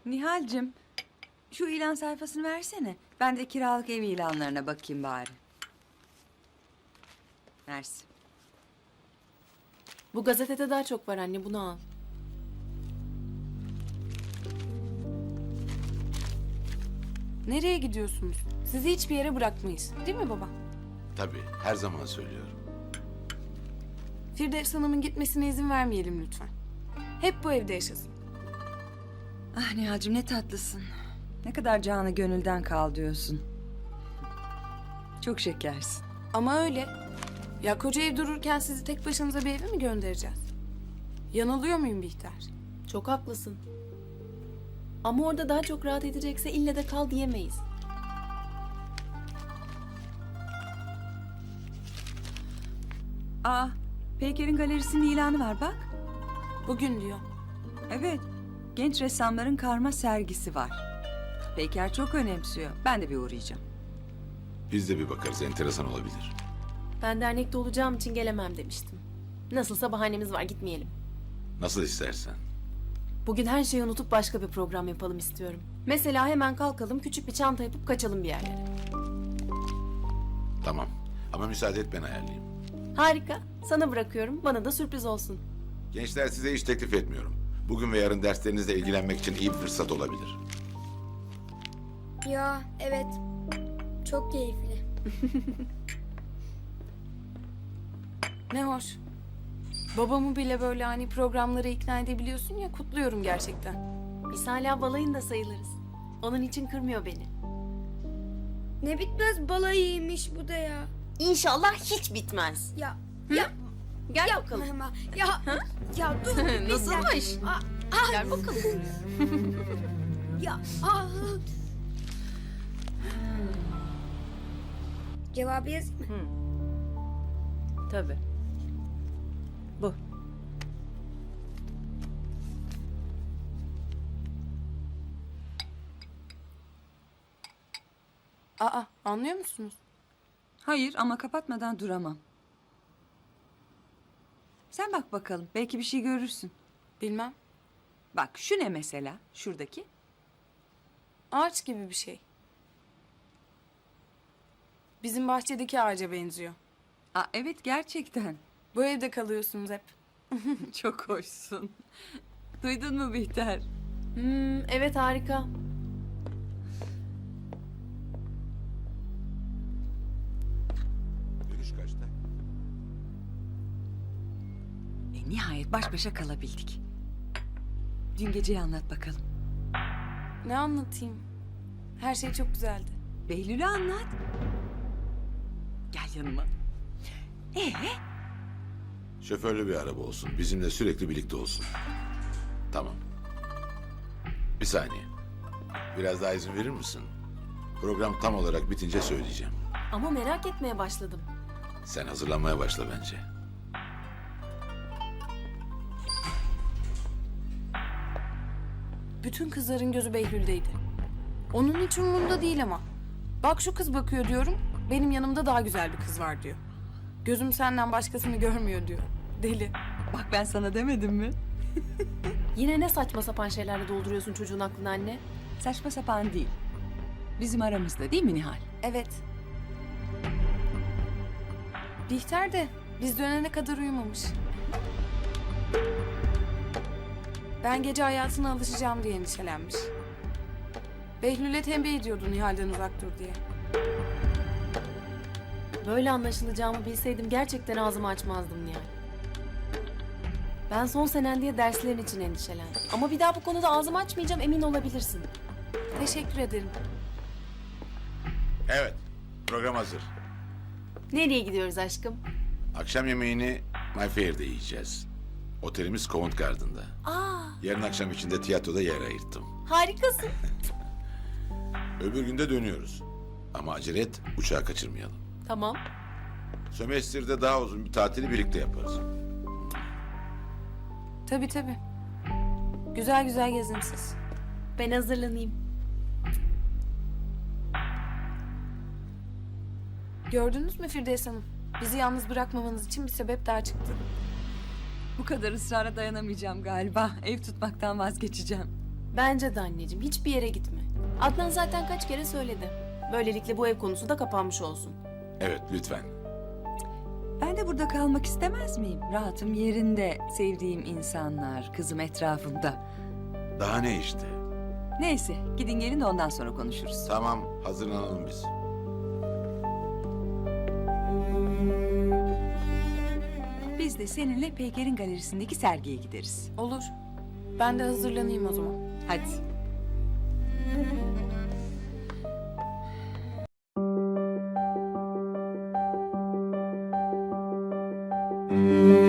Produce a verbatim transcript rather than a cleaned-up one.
Nihal'cim, şu ilan sayfasını versene. Ben de kiralık ev ilanlarına bakayım bari. Mersi. Bu gazetede daha çok var anne, bunu al. Nereye gidiyorsunuz? Sizi hiçbir yere bırakmayız. Değil mi baba? Tabii, her zaman söylüyorum. Firdevs Hanım'ın gitmesine izin vermeyelim lütfen. Hep bu evde yaşasın. Ah Nihal'cim ne tatlısın. Ne kadar canı gönülden kal diyorsun. Çok şekersin. Ama öyle. Ya koca ev dururken sizi tek başınıza bir eve mi göndereceğiz? Yanılıyor muyum Bihter? Çok haklısın. Ama orada daha çok rahat edecekse ille de kal diyemeyiz. Aa, Peyker'in galerisinin ilanı var bak. Bugün diyor. Evet, genç ressamların karma sergisi var. Peyker çok önemsiyor. Ben de bir uğrayacağım. Biz de bir bakarız, enteresan olabilir. Ben dernekte olacağım için gelemem demiştim. Nasılsa bahanemiz var, gitmeyelim. Nasıl istersen. Bugün her şeyi unutup başka bir program yapalım istiyorum. Mesela hemen kalkalım, küçük bir çanta yapıp kaçalım bir yerlere. Tamam. Ama müsaade et ben ayarlayayım. Harika. Sana bırakıyorum. Bana da sürpriz olsun. Gençler size iş teklif etmiyorum. Bugün ve yarın derslerinizle ilgilenmek için iyi bir fırsat olabilir. Ya evet. Çok keyifli. Ne hoş. Babamı bile böyle hani programlara ikna edebiliyorsun ya, kutluyorum gerçekten. Biz hala balayında sayılırız. Onun için kırmıyor beni. Ne bitmez balayıymış bu da ya. İnşallah hiç bitmez. Ya ya Gel ya bakalım. ama ya ya dur. bir Nasılmış? dakika. Aa, ah, Gel bakalım. ya ah. Cevabı yazayım mı? Tabii. Bu. Aa, anlıyor musunuz? Hayır ama kapatmadan duramam. Sen bak bakalım. Belki bir şey görürsün. Bilmem. Bak şu ne mesela? Şuradaki. Ağaç gibi bir şey. Bizim bahçedeki ağaca benziyor. Aa, evet gerçekten. Bu evde kalıyorsunuz hep. Çok hoşsun. Duydun mu Bihter? Hmm, evet harika. Dönüş kaçta? E, nihayet baş başa kalabildik. Dün geceyi anlat bakalım. Ne anlatayım? Her şey çok güzeldi. Behlül'ü anlat. Gel yanıma. Ee? Şoförlü bir araba olsun. Bizimle sürekli birlikte olsun. Tamam. Bir saniye. Biraz daha izin verir misin? Program tam olarak bitince söyleyeceğim. Ama merak etmeye başladım. Sen hazırlanmaya başla bence. Bütün kızların gözü Behlül'deydi. Onun hiç umurunda değil ama. Bak şu kız bakıyor diyorum, benim yanımda daha güzel bir kız var diyor. Gözüm senden başkasını görmüyor diyor. Deli. Bak ben sana demedim mi? Yine ne saçma sapan şeylerle dolduruyorsun çocuğun aklını anne? Saçma sapan değil. Bizim aramızda değil mi Nihal? Evet. Bihter de biz dönene kadar uyumamış. Ben gece hayatına alışacağım diye endişelenmiş. Behlül'e tembih ediyordu Nihal'den uzak dur diye. Böyle anlaşılacağımı bilseydim gerçekten ağzımı açmazdım yani. Ben son senen diye derslerin için endişelendim. Ama bir daha bu konuda ağzımı açmayacağım, emin olabilirsin. Teşekkür ederim. Evet. Program hazır. Nereye gidiyoruz aşkım? Akşam yemeğini My Fair'de yiyeceğiz. Otelimiz Covent Garden'da. Aa, Yarın akşam için de tiyatroda yer ayırttım. harikasın. Öbür günde dönüyoruz. Ama acele et, uçağı kaçırmayalım. Tamam. Sömestr'de daha uzun bir tatili birlikte yaparız. Tabii tabii. Güzel güzel gezin siz. Ben hazırlanayım. Gördünüz mü Firdevs Hanım? Bizi yalnız bırakmamanız için bir sebep daha çıktı. Bu kadar ısrara dayanamayacağım galiba. Ev tutmaktan vazgeçeceğim. Bence de anneciğim hiçbir yere gitme. Adnan zaten kaç kere söyledi. Böylelikle bu ev konusu da kapanmış olsun. Evet, lütfen. Ben de burada kalmak istemez miyim? Rahatım yerinde, sevdiğim insanlar, kızım etrafımda. Daha ne işte? Neyse, gidin gelin de ondan sonra konuşuruz. Tamam, hazırlanalım biz. Biz de seninle Peyker'in galerisindeki sergiye gideriz. Olur. Ben de hazırlanayım o zaman. Hadi. Müzik